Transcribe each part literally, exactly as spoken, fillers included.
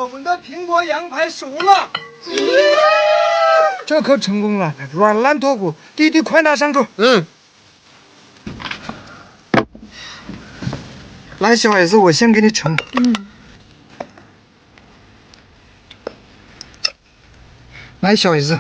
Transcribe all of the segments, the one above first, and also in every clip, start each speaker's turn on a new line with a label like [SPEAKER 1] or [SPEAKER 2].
[SPEAKER 1] 我们的苹果羊排熟了。这可成功了，软烂脱骨，弟弟快拿上桌。
[SPEAKER 2] 嗯。
[SPEAKER 1] 来，小孩子，我先给你盛。
[SPEAKER 3] 嗯。
[SPEAKER 1] 来，小孩子。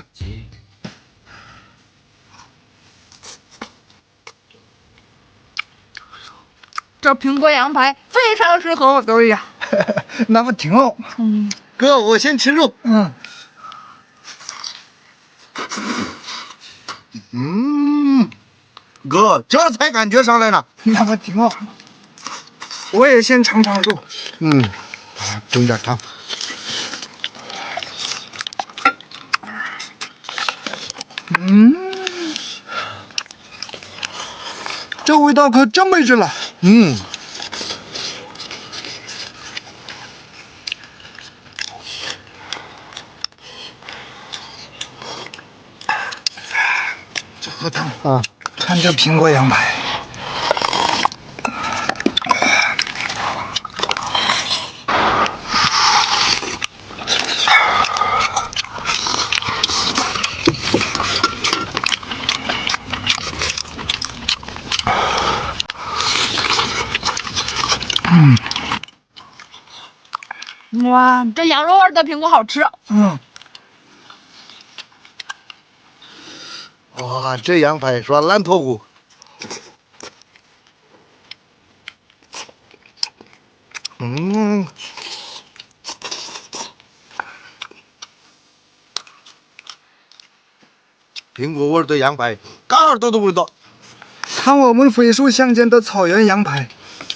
[SPEAKER 3] 这苹果羊排非常适合我的胃呀。
[SPEAKER 1] 那么挺好。
[SPEAKER 3] 嗯。
[SPEAKER 2] 哥，我先吃肉。
[SPEAKER 1] 嗯。
[SPEAKER 2] 嗯。哥，这才感觉上来了。
[SPEAKER 1] 那么挺好。我也先尝尝肉。
[SPEAKER 2] 嗯。整点汤。
[SPEAKER 1] 嗯。这味道可真没劲了。
[SPEAKER 2] 嗯。
[SPEAKER 1] 这喝汤
[SPEAKER 2] 啊，
[SPEAKER 1] 看这苹果羊排。嗯。
[SPEAKER 3] 哇，这羊肉味的苹果好吃。
[SPEAKER 1] 嗯。
[SPEAKER 2] 哇，这羊排软烂脱骨。嗯。苹果味的羊排，嘎耳朵的味道。
[SPEAKER 1] 看我们飞速乡间的草原羊排。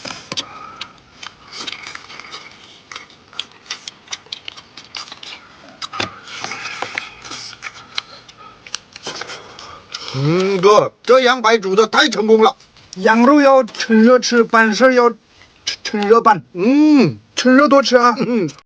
[SPEAKER 2] 嗯，哥，这羊排煮的太成功了。
[SPEAKER 1] 羊肉要趁热吃，办事要趁趁热办。
[SPEAKER 2] 嗯，
[SPEAKER 1] 趁热多吃啊。
[SPEAKER 2] 嗯。